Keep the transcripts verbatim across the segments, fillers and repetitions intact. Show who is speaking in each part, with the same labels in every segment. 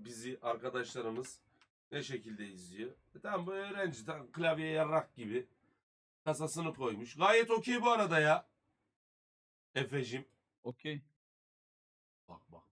Speaker 1: bizi arkadaşlarımız ne şekilde izliyor. E tamam bu öğrenci tamam, klavye yarrak gibi kasasını koymuş. Gayet okey bu arada ya. Efe'cim.
Speaker 2: Okey.
Speaker 1: Bak bak.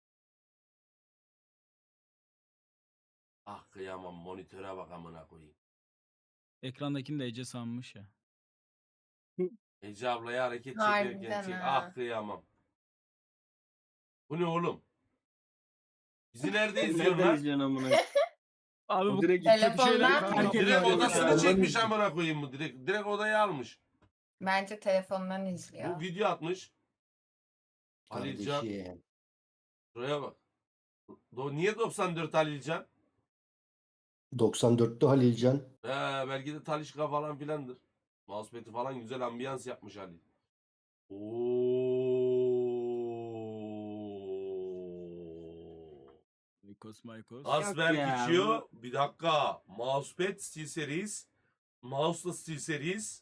Speaker 1: Ah kıyamam monitöre bak amına koyayım.
Speaker 2: Ekrandakini de Ece sanmış ya.
Speaker 1: Ece ablaya hareket
Speaker 3: Harbiden
Speaker 1: çekerken çek.
Speaker 3: ha.
Speaker 1: Ah kıyamam. Bu ne oğlum? Bizi nerede
Speaker 4: Nereden
Speaker 1: izliyorlar?
Speaker 4: izliyorsun amına?
Speaker 2: Abi
Speaker 4: O
Speaker 2: bu
Speaker 4: direkt
Speaker 2: kötü
Speaker 3: Telefondan
Speaker 2: şeyler
Speaker 3: mı?
Speaker 2: herkes
Speaker 1: Direkt
Speaker 2: yapıyor.
Speaker 1: odasını
Speaker 4: Telefondan
Speaker 1: çekmiş
Speaker 4: izliyor.
Speaker 1: amına koyayım mı? Direkt, direkt odayı almış.
Speaker 3: Bence telefondan izliyor.
Speaker 1: Bu video atmış. Halilcan.
Speaker 5: Kardeşim.
Speaker 1: Şuraya bak. Do niye doksan dört Halilcan?
Speaker 5: doksan dörtte Halilcan.
Speaker 1: He, belki de Talişka falan filandır. Mousepad'i falan güzel ambiyans yapmış Halil. Oo.
Speaker 2: Maykos Maykos.
Speaker 1: Asberg
Speaker 4: ya,
Speaker 1: içiyor. Bir dakika. Mousepad SteelSeries. Mouse'la SteelSeries.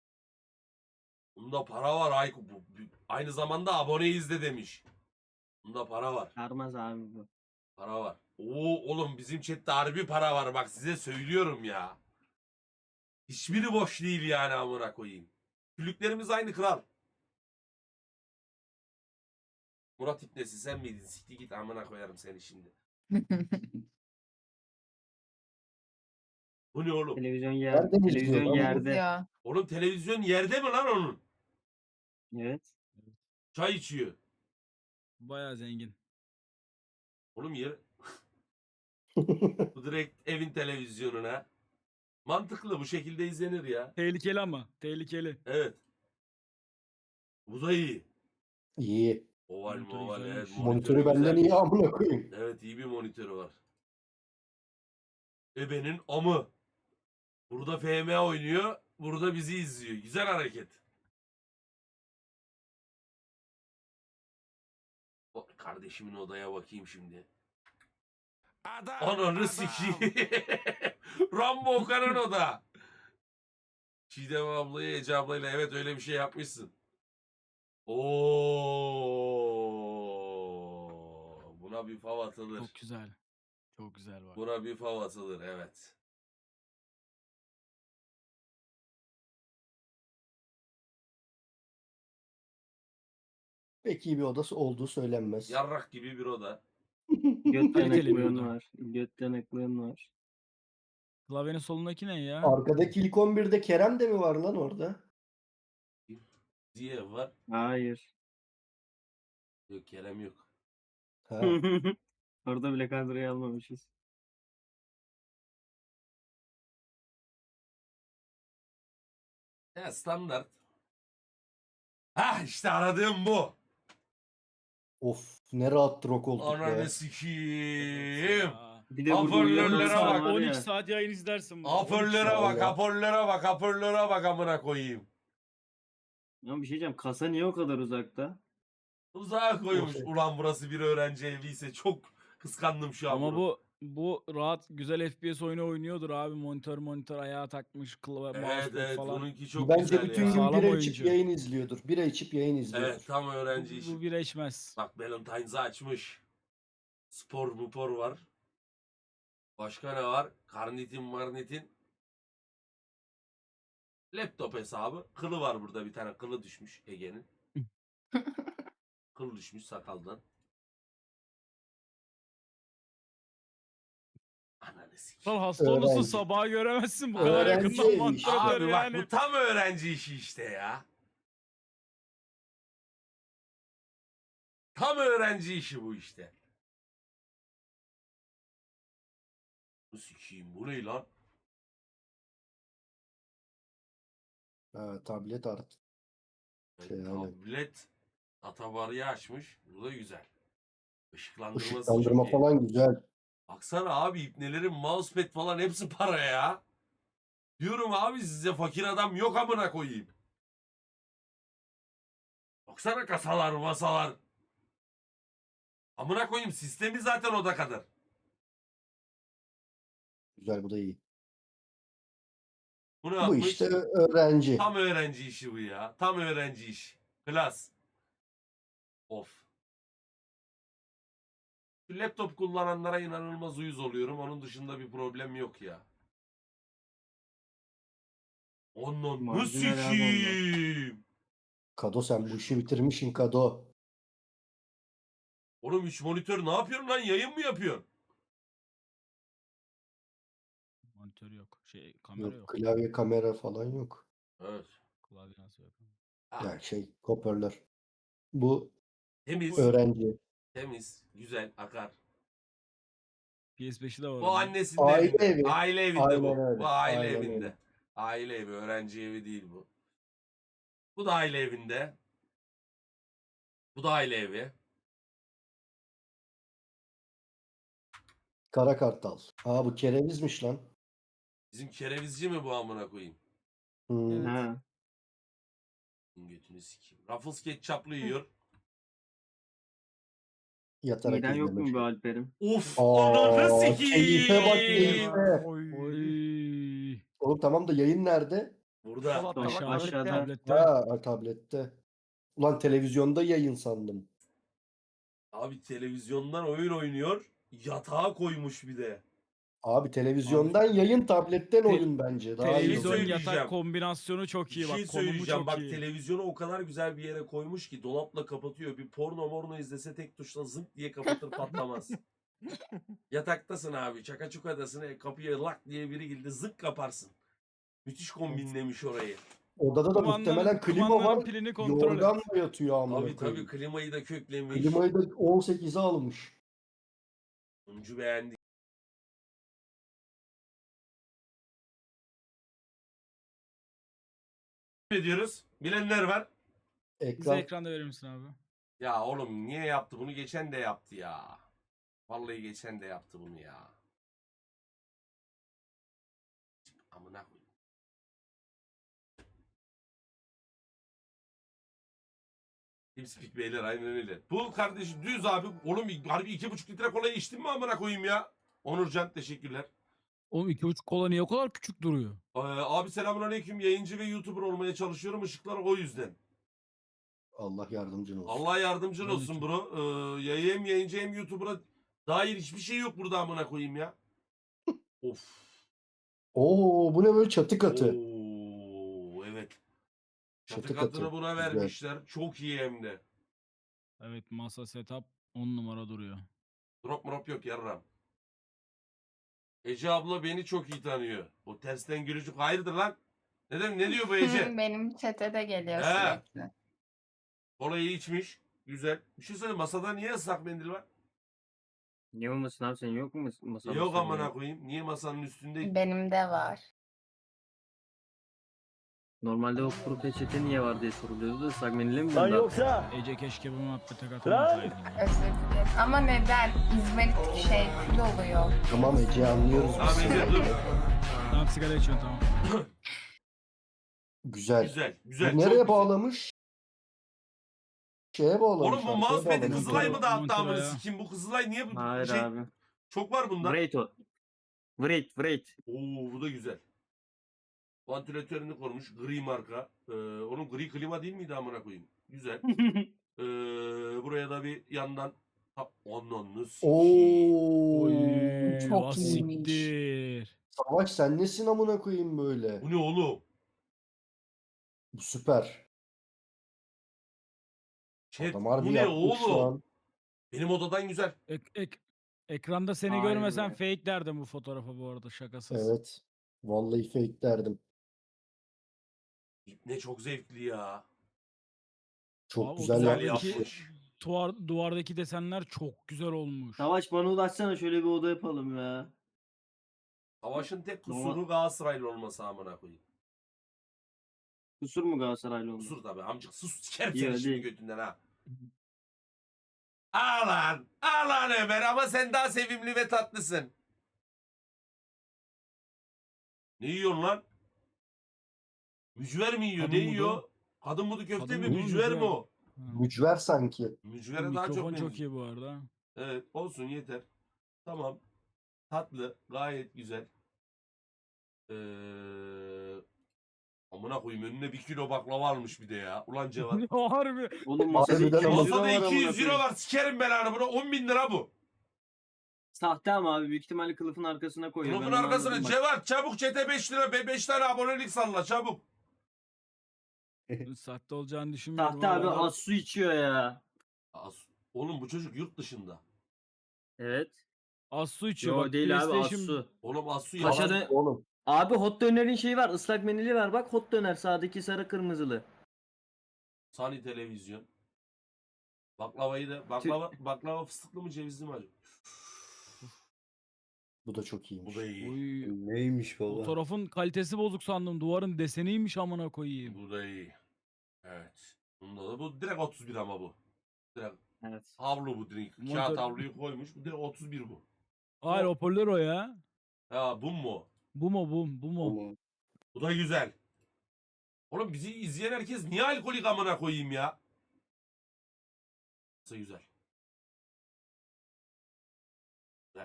Speaker 1: Bunda para var Ayku. Bu, bu- aynı zamanda aboneyiz de demiş. Bunda para var.
Speaker 4: Sarmaz abi bu.
Speaker 1: Para var. Oo oğlum bizim chatte harbi para var. Bak size söylüyorum ya. Hiçbiri boş değil yani amına koyayım. Küllüklerimiz aynı kral. Murat İbnesi sen miydin? Sikti git amına koyarım seni şimdi. Bu ne oğlum?
Speaker 4: Televizyon yer,
Speaker 5: Nereden izliyor
Speaker 4: televizyon
Speaker 5: lan bu?
Speaker 4: yerde.
Speaker 3: İzliyor.
Speaker 1: Oğlum televizyon yerde mi lan onun?
Speaker 4: Evet.
Speaker 1: Çay içiyor.
Speaker 2: Bayağı zengin.
Speaker 1: Oğlum yer... Bu direkt evin televizyonuna. Mantıklı bu şekilde izlenir ya.
Speaker 2: Tehlikeli ama. Tehlikeli.
Speaker 1: Evet. Bu da iyi.
Speaker 5: İyi.
Speaker 1: Oval
Speaker 2: Monitörü
Speaker 1: moval evet.
Speaker 2: güzelmiş.
Speaker 5: Monitörü benden
Speaker 1: güzel.
Speaker 5: iyi amına koyayım.
Speaker 1: Evet iyi bir monitörü var. Ebenin amı. Burada F M oynuyor. Burada bizi izliyor. Güzel hareket. O, kardeşimin odaya bakayım şimdi. Ananı sikeyim. Rambo Okan'ın oda. Çiğdem ablayı Ece ablayla evet öyle bir şey yapmışsın. Oo, buna bir fav atılır.
Speaker 2: Çok güzel. Çok güzel var.
Speaker 1: Buna bir fav atılır evet.
Speaker 5: Pek iyi bir odası olduğu söylenmez.
Speaker 1: Yarrak gibi bir oda.
Speaker 4: Göt
Speaker 2: Kaliteli bir
Speaker 4: yanıklığın
Speaker 2: oda.
Speaker 4: var. Göt yanıklığın var.
Speaker 2: Klavyenin solundaki ne ya?
Speaker 5: Arkadaki ilk on birde Kerem de mi var lan orada?
Speaker 1: Diye var.
Speaker 4: Hayır.
Speaker 1: Yok Kerem yok.
Speaker 5: Ha.
Speaker 4: Orada bile kadroyu almamışız.
Speaker 1: Ya standart. Hah işte aradığım bu.
Speaker 5: Of ne rahattır o koltuk
Speaker 1: Ananı
Speaker 5: be.
Speaker 1: sikiyim.
Speaker 2: Aa.
Speaker 4: Bir de burada
Speaker 1: Hoparlörlere
Speaker 4: uyuyanlar
Speaker 1: bak,
Speaker 4: var
Speaker 2: on iki
Speaker 4: ya.
Speaker 2: saat yayın izlersin. bunu.
Speaker 1: Hoparlöre
Speaker 5: saat
Speaker 1: bak,
Speaker 5: ya.
Speaker 1: hoparlöre bak, hoparlöre bak amına koyayım.
Speaker 4: Ya bir şey diyeceğim. Kasa niye o kadar uzakta?
Speaker 1: Uzağa koymuş.
Speaker 5: Of.
Speaker 1: Ulan burası bir öğrenci evliyse çok kıskandım şu an
Speaker 2: Ama
Speaker 1: bunu.
Speaker 2: bu bu rahat güzel F P S oyunu oynuyordur abi. Monitör monitör ayağa takmış. Klavye,
Speaker 1: Evet
Speaker 2: mousepad
Speaker 1: evet
Speaker 2: falan.
Speaker 1: bununki çok
Speaker 5: Bence
Speaker 1: güzel
Speaker 5: bütün
Speaker 1: ya.
Speaker 5: gün
Speaker 2: Sağlam
Speaker 5: bira
Speaker 2: oyuncu.
Speaker 5: içip yayın izliyordur. Bira içip yayın izliyordur.
Speaker 1: Evet tam öğrenci
Speaker 2: Bu,
Speaker 1: işi.
Speaker 2: bu bir eşmez.
Speaker 1: Bak Valentine's'ı açmış. Spor mupor var. Başka ne var? Karnitin marnitin. Laptop hesabı. Kılı var burada bir tane. Kılı düşmüş Ege'nin. Kıl düşmüş sakaldan. Ananı sikeyim.
Speaker 2: Lan hasta olursun
Speaker 5: Öğrenci.
Speaker 2: sabaha göremezsin bu kadar
Speaker 5: Öğrenci
Speaker 2: yakından
Speaker 5: evi
Speaker 2: monitör
Speaker 1: Abi bak
Speaker 2: yani.
Speaker 1: bu tam öğrenci işi işte ya. Tam öğrenci işi bu işte. Bu sikeyim bu ne lan?
Speaker 5: Ha, tablet artık. Şey, aynen.
Speaker 1: Tablet atabarıyı açmış. Bu da güzel. Işıklandırması
Speaker 5: Işıklandırma
Speaker 1: çok iyi.
Speaker 5: falan güzel.
Speaker 1: Baksana abi ipnelerin mousepad falan hepsi para ya. Diyorum abi size fakir adam yok amına koyayım. Baksana kasalar masalar. Amına koyayım sistemi zaten oda kadar.
Speaker 5: Güzel bu da iyi.
Speaker 1: Bu ne
Speaker 5: Bu
Speaker 1: yapmış?
Speaker 5: işte öğrenci.
Speaker 1: Tam öğrenci işi bu ya. Tam öğrenci iş. Klas. Of. Şu laptop kullananlara inanılmaz uyuz oluyorum. Onun dışında bir problem yok ya. Onun nasıl
Speaker 4: Marjinal abi onlar.
Speaker 1: sikiyim?
Speaker 5: Kado sen bu işi bitirmişsin Kado.
Speaker 1: Oğlum üç monitör ne yapıyorsun lan? Yayın mı yapıyorsun?
Speaker 2: Monitör yok. Şey kamera
Speaker 5: Yok,
Speaker 2: yok.
Speaker 5: klavye kamera falan yok.
Speaker 1: Evet.
Speaker 2: Klavye nasıl yok?
Speaker 1: Ha,
Speaker 5: Yani şey hoparlör. Bu
Speaker 1: temiz.
Speaker 5: öğrenci.
Speaker 1: Temiz. Güzel. Akar.
Speaker 2: P S beşi de var.
Speaker 1: Bu
Speaker 2: onun.
Speaker 1: annesinin
Speaker 5: Aile
Speaker 1: evinde.
Speaker 5: evi.
Speaker 1: Aile evinde
Speaker 5: Aynen
Speaker 1: bu.
Speaker 5: öyle,
Speaker 1: Bu aile
Speaker 5: aynen
Speaker 1: evinde.
Speaker 5: öyle.
Speaker 1: Aile evi. Öğrenci evi değil bu. Bu da aile evinde. Bu da aile evi.
Speaker 5: Kara Kartal. Aa bu kerevizmiş lan.
Speaker 1: Bizim kerevizci mi bu amına koyayım?
Speaker 5: Hmm.
Speaker 2: Evet.
Speaker 4: Ha.
Speaker 1: Götünü sikeyim. Ruffles ketçaplı yiyor.
Speaker 5: Yatarak
Speaker 4: Miden yok
Speaker 5: izlemek.
Speaker 4: mu be Alper'im?
Speaker 1: Of,
Speaker 5: Aa,
Speaker 1: ananı
Speaker 5: keyfe bak,
Speaker 1: sikeyim.
Speaker 5: keyfe.
Speaker 2: Oy.
Speaker 5: Oğlum tamam da yayın nerede?
Speaker 1: Burada.
Speaker 6: Dolapta
Speaker 4: Tamam,
Speaker 6: bak,
Speaker 4: aşağıda.
Speaker 6: tablette.
Speaker 2: Tablette.
Speaker 5: Ha tablette. Ulan televizyonda yayın sandım.
Speaker 1: Abi televizyondan oyun oynuyor. Yatağa koymuş bir de.
Speaker 5: Abi televizyondan yayın, tabletten
Speaker 2: Te-
Speaker 5: oyun bence. Daha iyi
Speaker 2: Televizyon
Speaker 5: olur.
Speaker 1: söyleyeceğim.
Speaker 2: yatak kombinasyonu çok
Speaker 1: Bir
Speaker 2: iyi
Speaker 1: şey
Speaker 2: bak. Konumu
Speaker 1: söyleyeceğim.
Speaker 2: çok
Speaker 1: Bak
Speaker 2: iyi.
Speaker 1: televizyonu o kadar güzel bir yere koymuş ki dolapla kapatıyor. Bir porno morno izlese tek tuşla zınk diye kapatır patlamaz. Yataktasın abi. Çakaçukadasın. E, kapıya lak diye biri girdi. Zınk kaparsın. Müthiş kombinlemiş orayı.
Speaker 5: Odada da
Speaker 2: Kumandanın-
Speaker 5: muhtemelen klima
Speaker 2: kumandanın
Speaker 5: var.
Speaker 2: pilini kontrol et.
Speaker 5: Yorganla yatıyor amına
Speaker 1: Tabii
Speaker 5: koyayım.
Speaker 1: tabii klimayı da köklemiş.
Speaker 5: Klimayı da on sekize almış.
Speaker 1: Oyuncu beğendi. Ediyoruz. Bilenler var.
Speaker 2: Bize
Speaker 5: Ekran
Speaker 2: ekranda verir misin abi?
Speaker 1: Ya oğlum niye yaptı bunu? Geçen de yaptı ya. Vallahi geçen de yaptı bunu ya. Amına koyayım. Tipspeak beyler aynen öyle. Bu kardeşim düz abi. Oğlum harbi iki buçuk litre kolayı içtin mi amına koyayım ya? Onurcan teşekkürler.
Speaker 2: Oğlum iki buçuk kola niye o kadar küçük duruyor?
Speaker 1: Ee, abi selamünaleyküm. Yayıncı ve YouTuber olmaya çalışıyorum. Işıklar o yüzden.
Speaker 5: Allah yardımcın olsun.
Speaker 1: Allah yardımcın
Speaker 2: Ben de
Speaker 1: olsun
Speaker 2: çok-
Speaker 1: bro. Ee, yayı hem yayıncı hem YouTuber'a dair hiçbir şey yok burada amına koyayım ya. Of.
Speaker 5: Oo bu ne böyle çatı katı.
Speaker 1: Oo, evet. Çatı,
Speaker 5: Çatı
Speaker 1: katını
Speaker 5: katı.
Speaker 1: buna
Speaker 5: Güzel.
Speaker 1: vermişler. Çok iyi hem de.
Speaker 2: Evet masa setup on numara duruyor.
Speaker 1: Drop drop yok yarram. Ece abla beni çok iyi tanıyor. O tersten gülücük hayırdır lan? Ne, dem- ne diyor bu Ece?
Speaker 3: Benim çete de geliyor
Speaker 1: He.
Speaker 3: sürekli.
Speaker 1: Kolayı içmiş. Güzel. Bir şey söyleyeyim. Masada niye ıslak mendil var?
Speaker 4: Niye olmasın abi, senin yok mu mas- masa?
Speaker 1: Yok
Speaker 4: masa
Speaker 1: amına
Speaker 4: diye?
Speaker 1: koyayım. Niye masanın üstünde?
Speaker 3: Benim de var.
Speaker 4: Normalde o kuru peçete niye var diye soruluyordu da ıslak mendille mi
Speaker 6: Lan
Speaker 4: gönderdi?
Speaker 6: yoksa
Speaker 2: Ece keşke bu muhabbete katılmasaydın ya.
Speaker 3: Özür dilerim. Ama neden? İzmarit şey kül oluyor.
Speaker 5: Tamam Ece anlıyoruz biz
Speaker 1: Tamam Ece
Speaker 5: seni.
Speaker 1: dur.
Speaker 2: Tamam sigara içiyorsun tamam.
Speaker 5: Güzel.
Speaker 1: Güzel.
Speaker 5: Bu
Speaker 1: Güzel. çok
Speaker 5: nereye
Speaker 1: güzel.
Speaker 5: bağlamış? Şeye bağlamış.
Speaker 1: Oğlum bu
Speaker 5: arkaya
Speaker 1: mousepad'i
Speaker 5: bağlamış.
Speaker 1: Kızılay mı dağıttı
Speaker 2: Monitör'e
Speaker 1: amına
Speaker 2: ya.
Speaker 1: sikeyim? Bu Kızılay niye bu
Speaker 4: Hayır
Speaker 1: şey?
Speaker 4: abi.
Speaker 1: Çok var bunda.
Speaker 4: Vreit o. Vreit, Vreit.
Speaker 1: Oo bu da güzel. Vantilatörünü korumuş. Gri marka. Ee, onun gri klima değil miydi amına koyayım? Güzel. Ee, buraya da bir yandan Ha, Ananı sikeyim.
Speaker 5: Oo.
Speaker 2: Oy,
Speaker 3: çok
Speaker 2: ah
Speaker 3: iyiymiş.
Speaker 2: siktir.
Speaker 5: Savaş sen nesin amına koyayım böyle?
Speaker 1: Bu ne oğlum?
Speaker 5: Bu süper.
Speaker 1: Chat,
Speaker 5: Adam harbi
Speaker 1: bu ne
Speaker 5: yapmış şu
Speaker 1: oğlum?
Speaker 5: an.
Speaker 1: Benim odadan güzel.
Speaker 2: Ek, ek, ekranda seni
Speaker 4: Vay
Speaker 2: görmesem
Speaker 4: be.
Speaker 2: fake derdim bu fotoğrafa bu arada şakasız.
Speaker 5: Evet. Vallahi fake derdim.
Speaker 1: Ne çok zevkli ya.
Speaker 5: Çok
Speaker 2: Abi o
Speaker 5: güzel,
Speaker 1: Güzel
Speaker 2: duvardaki-
Speaker 5: yapmış.
Speaker 1: yapmış.
Speaker 2: Duvar, duvardaki desenler çok güzel olmuş.
Speaker 4: Savaş bana ulaşsana, şöyle bir oda yapalım ya.
Speaker 1: Savaşın tek
Speaker 4: Normal-
Speaker 1: kusuru Galatasaraylı olması amına koyayım.
Speaker 4: Kusur mu Galatasaraylı oldu?
Speaker 1: Kusur tabii amcık sus sikerim
Speaker 4: İyi,
Speaker 1: seni
Speaker 4: hadi.
Speaker 1: şimdi götünden ha. Alan, alan Ömer ama sen daha sevimli ve tatlısın. Ne yiyorsun lan? Mücver mi yiyor?
Speaker 2: Kadın
Speaker 1: ne
Speaker 2: budu.
Speaker 1: yiyor? Kadın budu köfte
Speaker 2: Kadın
Speaker 1: mi?
Speaker 2: budu,
Speaker 1: Mücver mi
Speaker 2: mücver.
Speaker 1: o?
Speaker 2: Ha.
Speaker 5: Mücver sanki.
Speaker 1: Mücvere daha çok
Speaker 2: Mikrofon
Speaker 1: benziyor.
Speaker 2: çok iyi bu arada.
Speaker 1: Evet olsun yeter. Tamam. Tatlı. Gayet güzel. Ee, amına koyayım önüne bir kilo baklava almış bir de ya. Ulan Cevat.
Speaker 2: Harbi.
Speaker 4: Oğlum masada
Speaker 5: Harbiden
Speaker 4: iki yüz
Speaker 5: ama-
Speaker 4: lira var
Speaker 1: Masada
Speaker 4: amına
Speaker 1: iki yüz euro
Speaker 4: koyayım.
Speaker 1: var. Sikerim belanı buna. on bin lira bu.
Speaker 4: Sahte ama abi büyük ihtimalle kılıfın arkasına koyuyor.
Speaker 1: Kılıfın
Speaker 4: Ben onu
Speaker 1: arkasına
Speaker 4: anladım bak.
Speaker 1: Cevat çabuk çete beş lira be beş tane abonelik salla çabuk.
Speaker 2: Sahte olacağını düşünmüyorum.
Speaker 4: Sahte abi
Speaker 2: ama-
Speaker 4: az su içiyor ya.
Speaker 1: As- Oğlum bu çocuk yurt dışında.
Speaker 4: Evet.
Speaker 2: Az su içiyor.
Speaker 4: Yo
Speaker 2: Bak,
Speaker 4: değil abi az
Speaker 2: PlayStation-
Speaker 4: su.
Speaker 1: Oğlum Asu ya.
Speaker 4: Paşa
Speaker 1: Asu-
Speaker 4: dö-
Speaker 5: Oğlum.
Speaker 4: Abi hot dönerin şeyi var. Islak menili var. Bak hot döner sağdaki sarı kırmızılı.
Speaker 1: Sani televizyon. Baklavayı da baklava baklava fıstıklı mı cevizli mi acaba?
Speaker 5: Bu da çok iyiymiş.
Speaker 1: Bu da iyi.
Speaker 2: Oy,
Speaker 6: Neymiş baba?
Speaker 2: fotoğrafın kalitesi bozuk sandım. Duvarın deseniymiş amına koyayım.
Speaker 1: Bu da iyi. Evet. Bunda da bu direkt otuz bir ama bu. Direkt
Speaker 4: Evet.
Speaker 1: havlu bu direkt. Kağıt
Speaker 2: Monitör-
Speaker 1: havluyu koymuş. Bu direkt otuz bir bu.
Speaker 2: Hayır, hoparlör o ya.
Speaker 1: Ha bu mu?
Speaker 2: Bu mu bu mu? Bu mu?
Speaker 6: Ama
Speaker 1: Bu da güzel. Oğlum bizi izleyen herkes niye alkolik amına koyayım ya? Nasıl güzel. Güzel.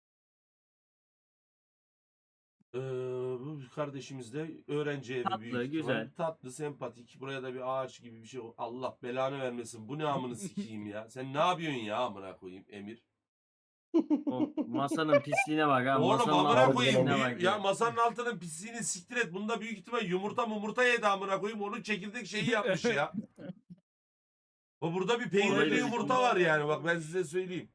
Speaker 1: Ee, bu kardeşimiz de öğrenci evi
Speaker 4: Tatlı,
Speaker 1: büyük ihtimal.
Speaker 4: güzel.
Speaker 1: Tatlı, sempatik. Buraya da bir ağaç gibi bir şey. Allah belanı vermesin. Bu ne amını sikeyim ya. Sen ne yapıyorsun ya amına koyayım Emir?
Speaker 4: O masanın pisliğine bak ha.
Speaker 1: Oğlum
Speaker 4: masanın
Speaker 1: amına
Speaker 4: altına
Speaker 1: koyayım.
Speaker 4: bak
Speaker 1: büyük- ya masanın altının pisliğini siktir et. Bunda büyük ihtimal yumurta mumurta yedi amına koyayım. Onun çekirdek şeyi yapmış ya. O burada bir peynirli
Speaker 4: Olabilir.
Speaker 1: yumurta var yani. Bak ben size söyleyeyim.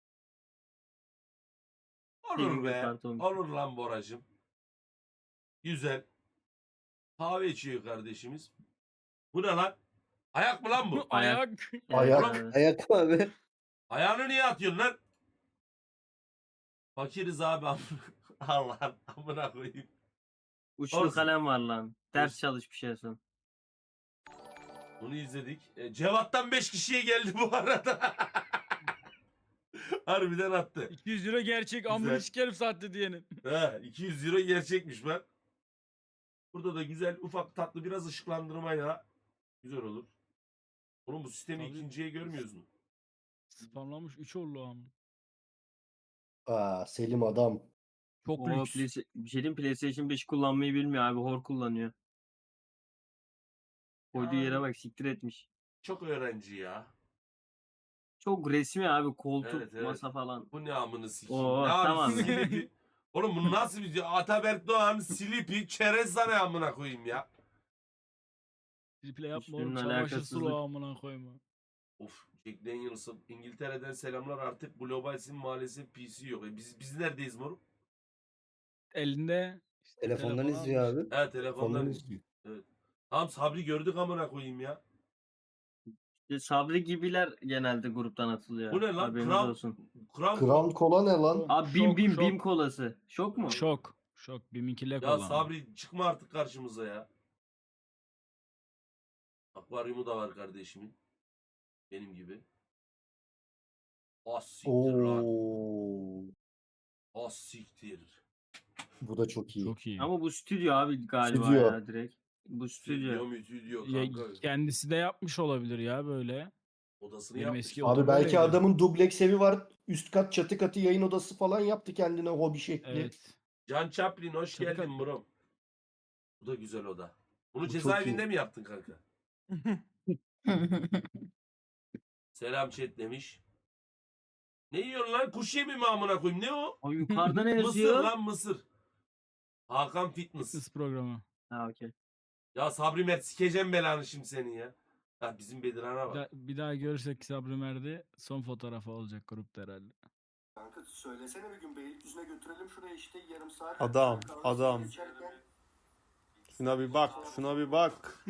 Speaker 1: Olur
Speaker 4: Peynirli
Speaker 1: be.
Speaker 4: karton.
Speaker 1: Olur lan Boracığım. Güzel. Kahve içiyor kardeşimiz. Bu ne lan? Ayak mı lan bu?
Speaker 4: Ayak.
Speaker 2: Ayak.
Speaker 4: Evet,
Speaker 5: Ayak.
Speaker 4: evet.
Speaker 6: ayak abi.
Speaker 1: Ayağını niye atıyorsun lan? Fakiriz abi. Allah amına koyayım.
Speaker 4: Uçlu
Speaker 1: Olsun.
Speaker 4: kalem var lan. Ders
Speaker 1: Olsun.
Speaker 4: çalış bir şey yapsın.
Speaker 1: Bunu izledik. E, Cevat'tan beş kişiye geldi bu arada. Harbiden attı.
Speaker 2: iki yüz lira gerçek. Amına sikerim sahte diyenin.
Speaker 1: He, iki yüz euro gerçekmiş bak. Burada da güzel ufak tatlı biraz ışıklandırmayla güzel olur. Oğlum bu sistemi
Speaker 2: Tabii.
Speaker 1: ikinciye görmüyoruz mu?
Speaker 2: Spamlanmış üç oldu ama.
Speaker 5: Aa, Selim adam.
Speaker 2: Çok
Speaker 4: O
Speaker 2: lüks.
Speaker 4: Playsta- bir şey diyeyim, PlayStation beş kullanmayı bilmiyor abi. Hor kullanıyor. Koyduğu yere
Speaker 1: Yani.
Speaker 4: bak siktir etmiş.
Speaker 1: Çok öğrenci ya.
Speaker 4: Çok resmi abi. Koltuk,
Speaker 1: Evet, evet.
Speaker 4: masa falan.
Speaker 1: Bu ne amını sikeyim.
Speaker 4: Oo,
Speaker 1: ne abi
Speaker 4: tamam.
Speaker 1: silipi. Oğlum bu nasıl bir Ataberk Doğan silipi çerez ne amına koyayım ya.
Speaker 2: Triple yapma oğlum.
Speaker 4: Hiçbirinin
Speaker 2: Çamaşır
Speaker 4: alakasızlık.
Speaker 2: sulu amına koyma.
Speaker 1: Of Jack Daniels'ın İngiltere'den selamlar artık globalsin maalesef P C yok. E biz biz neredeyiz moruk?
Speaker 2: Elinde. işte
Speaker 6: Telefondan
Speaker 2: telefon
Speaker 6: izliyor
Speaker 2: almış.
Speaker 6: abi.
Speaker 1: He telefondan.
Speaker 5: Ondan izliyor.
Speaker 1: Tamam Sabri gördük amına koyayım ya.
Speaker 4: İşte Sabri gibiler genelde gruptan atılıyor.
Speaker 1: Bu ne lan?
Speaker 4: Haberiniz
Speaker 1: Kram,
Speaker 4: olsun.
Speaker 1: kram,
Speaker 5: Crown Cola ne lan?
Speaker 4: Abi bim
Speaker 2: Şok,
Speaker 4: bim
Speaker 2: şok.
Speaker 4: bim kolası. Şok mu?
Speaker 2: Şok. Şok. Biminki lek
Speaker 1: Ya
Speaker 2: olan.
Speaker 1: Sabri çıkma artık karşımıza ya. Akvaryumu da var kardeşimin. Benim gibi. Az siktir lan.
Speaker 5: Oo.
Speaker 1: Az siktir.
Speaker 5: Bu da çok iyi.
Speaker 2: Çok iyi.
Speaker 4: Ama bu stüdyo abi galiba
Speaker 5: Stüdyo.
Speaker 4: ya direkt. Bu
Speaker 1: Stüdyo
Speaker 4: stüdyo.
Speaker 1: mu stüdyo
Speaker 2: Ya,
Speaker 1: kanka.
Speaker 2: kendisi de yapmış olabilir ya böyle.
Speaker 1: Odasını
Speaker 2: Benim
Speaker 1: yapmış.
Speaker 2: eski
Speaker 5: Abi
Speaker 2: odam
Speaker 5: belki
Speaker 2: öyleydi.
Speaker 5: adamın dubleks evi var. Üst kat çatı katı yayın odası falan yaptı kendine hobi şekli.
Speaker 2: Evet.
Speaker 1: Can Chaplin hoş
Speaker 2: Tabii,
Speaker 1: geldin
Speaker 2: tabii.
Speaker 1: bro. Bu da güzel oda. Bunu
Speaker 5: Bu çok
Speaker 1: cezaevinde
Speaker 5: iyi.
Speaker 1: mi yaptın kanka? Selam chat demiş. Ne yiyorsun lan? Kuş yemi mi amına koyayım? Ne o?
Speaker 4: O yukarıda ne
Speaker 1: Mısır
Speaker 4: yazıyor?
Speaker 1: lan mısır. Hakan Fitness.
Speaker 2: Fitness programı.
Speaker 4: Ha okey.
Speaker 1: Ya Sabri Mert sikeceğim belanı şimdi senin ya. Ya bizim Bedirhan'a
Speaker 2: Bir
Speaker 1: bak.
Speaker 2: daha, bir daha görürsek Sabri Merdi son fotoğrafı olacak grupta herhalde.
Speaker 5: Kanka söylesene bir gün Beylikdüzü'ne götürelim şuraya işte yarım saat.
Speaker 6: Adam,
Speaker 5: Kahve
Speaker 6: adam.
Speaker 5: içerken
Speaker 6: Şuna bir bak, şuna bir bak.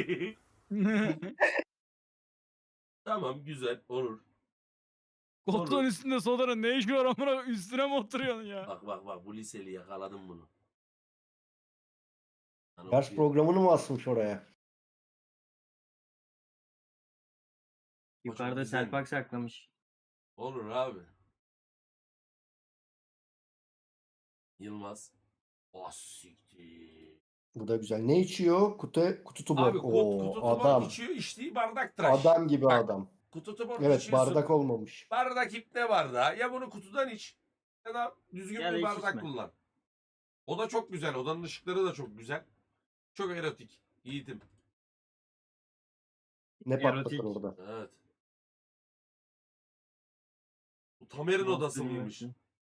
Speaker 1: Tamam güzel olur.
Speaker 2: Koltuğun
Speaker 1: Olur.
Speaker 2: üstünde sodanın ne işi var amına üstüne mi oturuyorsun ya?
Speaker 1: Bak bak bak bu liseli yakaladım bunu. Sana
Speaker 5: Ders
Speaker 1: okuyayım.
Speaker 5: programını mı asmış oraya?
Speaker 4: Yukarıda
Speaker 1: güzel.
Speaker 4: Selpak saklamış.
Speaker 1: Olur abi. Yılmaz. Ah siktir.
Speaker 5: Bu da güzel. Ne içiyor? Kutu kutu tubor.
Speaker 1: Abi kut,
Speaker 5: Oo,
Speaker 1: kutu tubor
Speaker 5: adam.
Speaker 1: içiyor içtiği bardak tıraş.
Speaker 5: Adam gibi
Speaker 1: Bak,
Speaker 5: adam.
Speaker 1: Kutu tubor
Speaker 5: Evet,
Speaker 1: içiyorsun.
Speaker 5: bardak olmamış.
Speaker 1: Bardak ipne bardağı. Ya bunu kutudan iç ya da düzgün
Speaker 4: Ya da
Speaker 1: bir
Speaker 4: hiç
Speaker 1: bardak
Speaker 4: içme.
Speaker 1: kullan. O da çok güzel. Odanın ışıkları da çok güzel. Çok erotik. Yiğitim.
Speaker 5: Ne
Speaker 4: Erotik.
Speaker 5: patlatır orada?
Speaker 1: Evet. Bu Tamer'in
Speaker 4: Nasıl
Speaker 1: odası
Speaker 4: bilmiyorum
Speaker 1: mıymış?
Speaker 4: ki.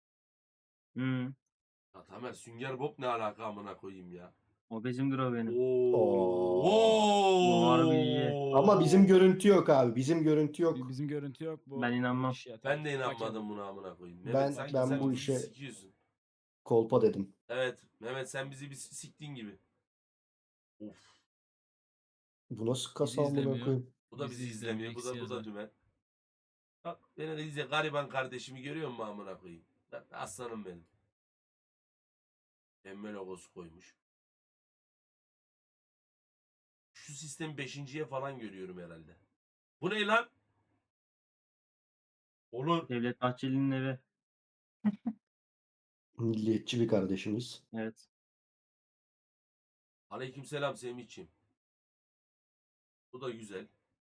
Speaker 4: Hı.
Speaker 1: Ya Tamer Sünger Bob ne alaka amına koyayım ya.
Speaker 4: O bizimdir o benim.
Speaker 1: Oo.
Speaker 4: Bu harbi iyi.
Speaker 5: Ama bizim görüntü yok abi. Bizim görüntü yok.
Speaker 2: Bi- Bizim görüntü yok bu.
Speaker 4: Ben inanmam.
Speaker 2: bu iş ya.
Speaker 1: Ben de
Speaker 2: Takip- takip-
Speaker 1: inanmadım buna amına koyayım. Mehmet
Speaker 5: Ben-
Speaker 1: sanki
Speaker 5: ben
Speaker 1: sen
Speaker 5: bu
Speaker 1: bizi
Speaker 5: işe-
Speaker 1: sikiyorsun.
Speaker 5: Kolpa dedim.
Speaker 1: Evet Mehmet sen bizi bir siktiğin gibi. Of.
Speaker 5: Bu nasıl kasa amına
Speaker 2: izlemiyor.
Speaker 5: koyayım?
Speaker 1: Bu da
Speaker 2: Bizi
Speaker 1: bizi izlemiyor. Bu
Speaker 2: izlemiyor,
Speaker 1: da bu
Speaker 2: eksi
Speaker 1: da
Speaker 2: yazar.
Speaker 1: dümen. Bak beni de izle gariban kardeşimi görüyor musun amına koyayım? Lan aslanım benim. Emme logosu koymuş. Şu sistemi beşinciye falan görüyorum herhalde. Bu ne lan? Olur.
Speaker 4: Devlet Bahçeli'nin evi.
Speaker 5: Milliyetçi bir kardeşimiz.
Speaker 4: Evet.
Speaker 1: Aleykümselam Semih'ciğim. Bu da güzel.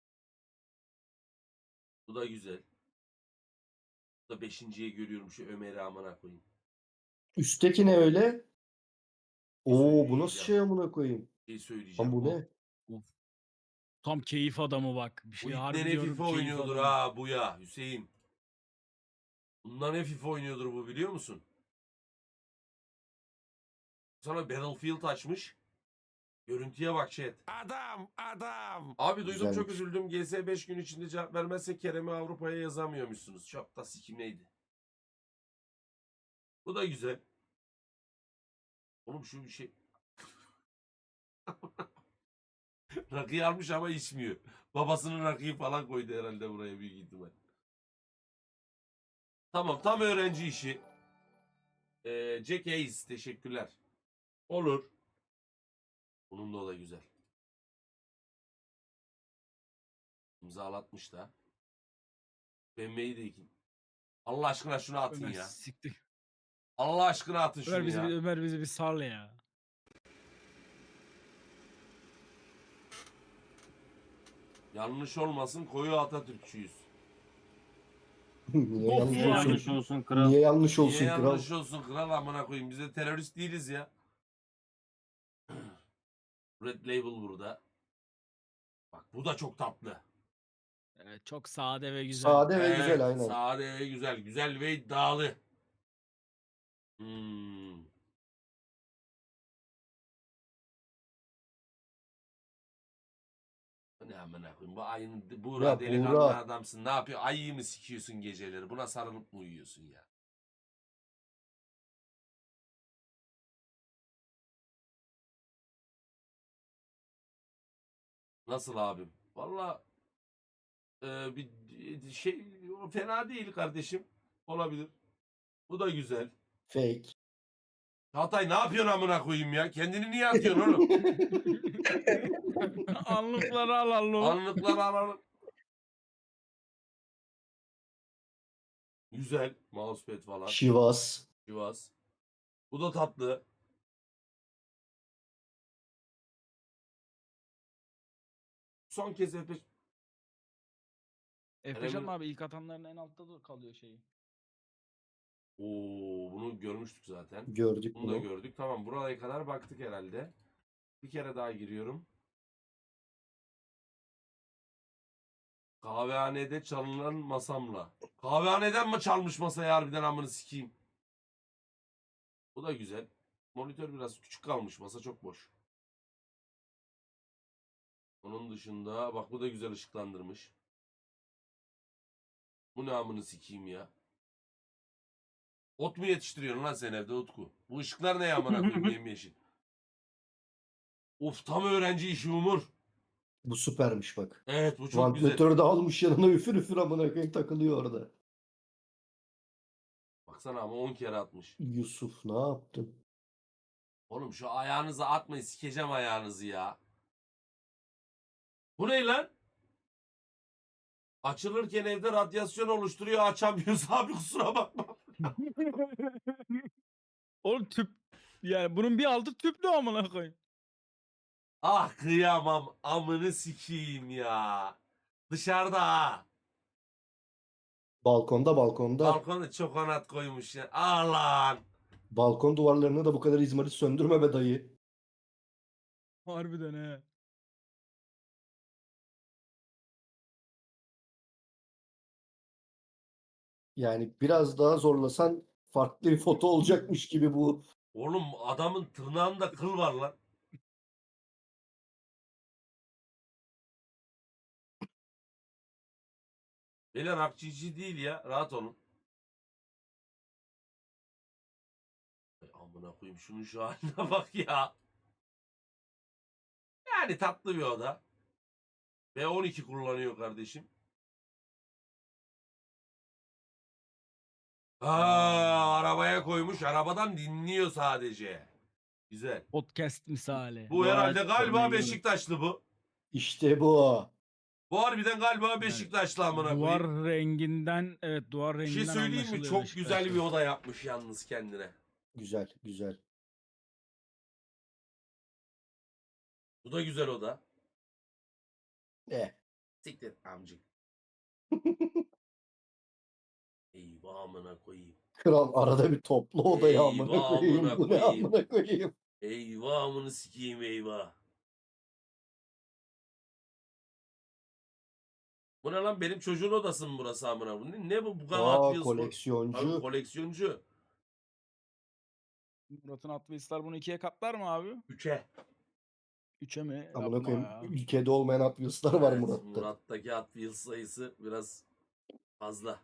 Speaker 1: Bu da güzel. Bu da beşinciye görüyorum şu Ömer'i amına koyayım.
Speaker 5: Üstteki ne öyle? Oo bu nasıl
Speaker 1: söyleyeceğim.
Speaker 5: şey amına koyayım?
Speaker 1: Bir şey
Speaker 5: Lan
Speaker 1: söyleyeceğim.
Speaker 5: bu
Speaker 1: Bu,
Speaker 5: ne?
Speaker 2: Of. Tam keyif adamı bak. Bir
Speaker 1: bu
Speaker 2: şey
Speaker 1: ipne
Speaker 2: harbi
Speaker 1: ne
Speaker 2: diyorum
Speaker 1: FIFA
Speaker 2: keyif
Speaker 1: oynuyordur
Speaker 2: adamı.
Speaker 1: ha bu ya Hüseyin. Bundan ne FIFA oynuyordur bu biliyor musun? Sana Battlefield açmış. Görüntüye bak chat.
Speaker 6: Adam, adam.
Speaker 1: Abi duydum çok
Speaker 5: Güzelmiş.
Speaker 1: üzüldüm. G S beş gün içinde cevap vermezse Kerem'i Avrupa'ya yazamıyormuşsunuz. Çok da sikim neydi? Bu da güzel. Oğlum şu bir şey. Rakıyı almış ama içmiyor. Babasının rakıyı falan koydu herhalde buraya büyük ihtimal. Tamam tam öğrenci işi. Ee, Jack Hayes teşekkürler. Olur. Bunun da o da güzel. İmzalatmış da. B M W'yi de ikin. Allah aşkına şunu atın
Speaker 2: Ömer
Speaker 1: ya.
Speaker 2: siktir.
Speaker 1: Allah aşkına atın şunu
Speaker 2: Ömer bizi,
Speaker 1: ya.
Speaker 2: bir, Ömer bizi bir sal ya.
Speaker 1: Yanlış olmasın koyu Atatürkçüyüz.
Speaker 5: Niye
Speaker 2: Of
Speaker 5: yanlış
Speaker 4: Niye
Speaker 2: ya.
Speaker 5: olsun?
Speaker 4: yanlış olsun kral?
Speaker 5: Niye yanlış olsun
Speaker 1: Niye
Speaker 5: kral?
Speaker 1: yanlış olsun kral amına koyayım. Biz de terörist değiliz ya. Red Label burada. Bak bu da çok tatlı.
Speaker 2: Evet, çok sade ve güzel.
Speaker 5: Sade ve
Speaker 1: Evet,
Speaker 5: güzel aynen.
Speaker 1: Sade ve güzel. Güzel ve iddialı. Hmm. Bu ne amına koyayım? Bu ayın Buğra
Speaker 5: Ya
Speaker 1: delikanlı
Speaker 5: Buğra.
Speaker 1: adamsın. Ne yapıyor? Ayıyı mı sikiyorsun geceleri? Buna sarılıp mı uyuyorsun ya? Nasıl abim? Valla e, bir şey fena değil kardeşim. Olabilir. Bu da güzel.
Speaker 5: Fake.
Speaker 1: Çağatay ne yapıyorsun amına koyayım ya? Kendini niye atıyorsun oğlum?
Speaker 2: Anlıkları al Allah'ım.
Speaker 1: Anlıkları alalım. Güzel. Mousepad falan.
Speaker 5: Şivas.
Speaker 1: Sivas. Bu da tatlı. Son kez F beş.
Speaker 2: F beş
Speaker 1: Kerem'in-
Speaker 2: abi ilk atanların en altta da kalıyor şeyi.
Speaker 1: Oo, bunu görmüştük zaten.
Speaker 5: Gördük
Speaker 1: Bunu da
Speaker 5: bunu.
Speaker 1: gördük. Tamam buraya kadar baktık herhalde. Bir kere daha giriyorum. Kahvehanede çalınan masamla. Kahvehaneden mi çalmış masayı harbiden amını sikeyim. Bu da güzel. Monitör biraz küçük kalmış. Masa çok boş. Onun dışında bak bu da güzel ışıklandırmış. Bu ne amını sikeyim ya. Ot mu yetiştiriyorsun lan sen evde Utku? Bu ışıklar ne amına koyayım yemyeşil. Of tam öğrenci işi Umur.
Speaker 5: Bu süpermiş bak.
Speaker 1: Evet bu çok güzel.
Speaker 5: Vantilatörü de almış yanına üfür üfür amına koyayım takılıyor orada.
Speaker 1: Baksana ama on kere atmış.
Speaker 5: Yusuf ne yaptın?
Speaker 1: Oğlum şu ayağınızı atmayın sikeceğim ayağınızı ya. Bu ne lan? Açılırken evde radyasyon oluşturuyor açamıyoruz abi kusura bakma.
Speaker 2: Oğlum tüp. Yani bunun bir altı tüplü amına koyayım.
Speaker 1: Ah kıyamam amını sikeyim ya. Dışarıda ha.
Speaker 5: Balkonda balkonda.
Speaker 1: Balkona çokonat koymuş ya. Ah lan.
Speaker 5: Balkon duvarlarını da bu kadar izmarit söndürme be dayı.
Speaker 2: Harbiden he.
Speaker 5: Yani biraz daha zorlasan Farklı bir foto olacakmış gibi bu.
Speaker 1: Oğlum adamın tırnağında kıl var lan. Beyler akcici değil ya. Rahat olun. Ay amına koyayım şunun şu haline bak ya. Yani tatlı bir oda. V on iki kullanıyor kardeşim. Aa, arabaya koymuş. Arabadan dinliyor sadece. Güzel.
Speaker 2: Podcast misali.
Speaker 1: Bu herhalde
Speaker 4: Vay,
Speaker 1: galiba
Speaker 4: tabii.
Speaker 1: Beşiktaşlı bu.
Speaker 5: İşte bu.
Speaker 1: Bu harbiden galiba Beşiktaşlı amına
Speaker 2: Duvar
Speaker 1: koyayım.
Speaker 2: renginden evet duvar
Speaker 1: Bir
Speaker 2: renginden
Speaker 1: şey söyleyeyim mi?
Speaker 2: anlaşılıyor
Speaker 1: Çok güzel bir
Speaker 2: Beşiktaş'ın.
Speaker 1: oda yapmış yalnız kendine.
Speaker 5: Güzel, güzel.
Speaker 1: Bu da güzel oda.
Speaker 5: Eh.
Speaker 1: Siktir amcık. Eyvah amına koyayım.
Speaker 5: Kral arada bir toplu odaya amına
Speaker 1: Eyvah
Speaker 5: koyayım.
Speaker 1: amına
Speaker 5: Bu ne
Speaker 1: koyayım.
Speaker 5: amına koyayım.
Speaker 1: Eyvah amını sikeyim eyvah. Bu ne lan benim çocuğun odası mı burası amına? Bu ne, ne bu bu kadar Hot
Speaker 5: Aa,
Speaker 1: Wheels bu? Abi
Speaker 5: koleksiyoncu.
Speaker 1: koleksiyoncu.
Speaker 2: Murat'ın Hot Wheels'lar bunu ikiye katlar mı abi?
Speaker 1: Üçe.
Speaker 2: Üçe mi?
Speaker 5: Amına
Speaker 2: Yapma
Speaker 5: koyayım.
Speaker 2: ya.
Speaker 5: Ülkede olmayan Hot Wheels'lar var
Speaker 1: Evet,
Speaker 5: Murat'ta.
Speaker 1: Murat'taki Hot Wheels sayısı biraz fazla.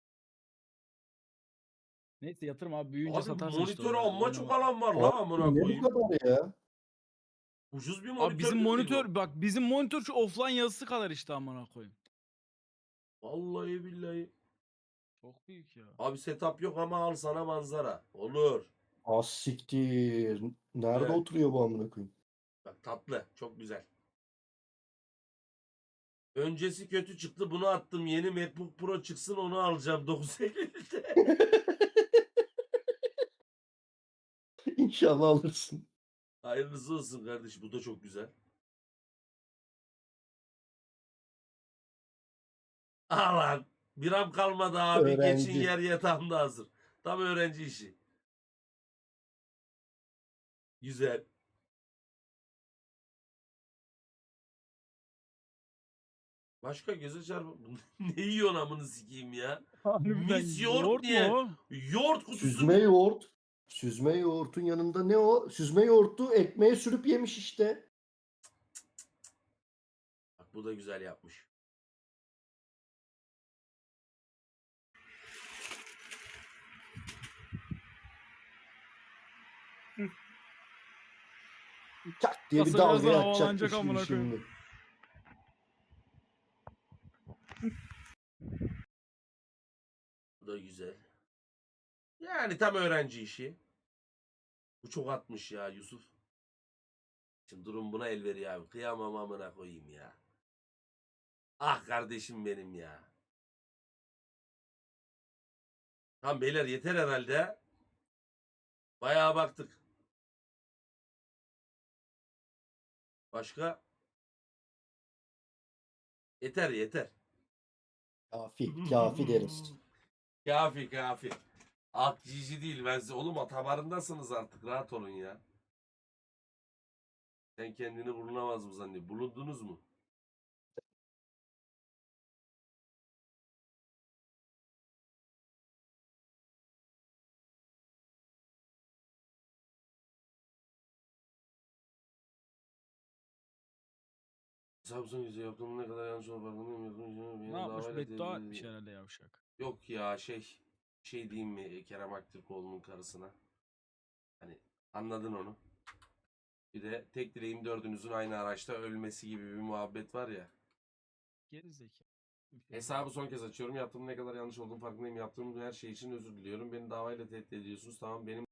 Speaker 2: Neyse yatırım abi büyüyünce
Speaker 1: Abi
Speaker 2: satarsın işte
Speaker 1: monitör
Speaker 2: orada.
Speaker 1: amma çok
Speaker 2: Oynama.
Speaker 1: alan var la
Speaker 5: Abi,
Speaker 1: amına
Speaker 5: ne
Speaker 1: koyayım.
Speaker 5: bu kadar ya?
Speaker 1: Ucuz bir monitör
Speaker 2: Abi bizim
Speaker 1: değil mi
Speaker 2: monitör
Speaker 1: bu?
Speaker 2: bak bizim monitör şu offline yazısı kadar işte amına koyayım.
Speaker 1: Vallahi billahi.
Speaker 2: Çok büyük ya.
Speaker 1: Abi setup yok ama al sana manzara. Olur.
Speaker 5: Az siktir. Nerede
Speaker 1: Evet.
Speaker 5: oturuyor bu amına koyayım?
Speaker 1: Bak tatlı. Çok güzel. Öncesi kötü çıktı. Bunu attım. Yeni MacBook Pro çıksın onu alacağım. dokuz Eylül'de.
Speaker 5: İnşallah alırsın.
Speaker 1: Hayırlısı olsun kardeşim. Bu da çok güzel. Alan. Bir am kalmadı abi.
Speaker 5: Öğrenci.
Speaker 1: Geçin yer yatağımda hazır. Tam öğrenci işi. Güzel. Başka göze çarpı. Ne yiyorsun amını sikeyim ya?
Speaker 2: Harbiden
Speaker 1: Mis yoğurt
Speaker 2: yoğurt
Speaker 1: niye?
Speaker 2: mu o?
Speaker 1: Yoğurt kutusu.
Speaker 5: Süzme yoğurt. Süzme yoğurtun yanında ne o? Süzme yoğurtu ekmeğe sürüp yemiş işte.
Speaker 1: Bak bu da güzel yapmış.
Speaker 5: Tak diye bir
Speaker 2: Kasa birazdan
Speaker 5: dalga
Speaker 2: havalanacak
Speaker 5: atacakmış gibi
Speaker 2: amına koyayım.
Speaker 5: şimdi.
Speaker 1: Bu da güzel. Yani tam öğrenci işi. Bu çok atmış ya Yusuf. Şimdi durum buna el veriyor abi. Kıyamam amına koyayım ya. Ah kardeşim benim ya. Tamam beyler yeter herhalde. Bayağı baktık. Başka? Yeter yeter.
Speaker 5: Kafi, kafi deriz.
Speaker 1: Kafi kafi. Akcici değil ben size. Oğlum atabarındasınız artık rahat olun ya. Sen kendini bulunamaz mı zannediyorsun? Bulundunuz mu? Samsung yüzü yaptığım ne kadar yanlış olduğunu farkındayım. Yaptığım
Speaker 2: Ne yapmış? Beddua etmiş herhalde yavşak.
Speaker 1: Yok ya şey şey diyeyim mi Kerem Aktürkoğlu'nun karısına. Hani anladın onu. Bir de tek dileğim dördünüzün aynı araçta ölmesi gibi bir muhabbet var ya.
Speaker 2: Geri zeka.
Speaker 1: Hesabı son kez açıyorum. Yaptığım ne kadar yanlış olduğunu farkındayım. Yaptığım her şey için özür diliyorum. Beni davayla tehdit ediyorsunuz. Tamam benim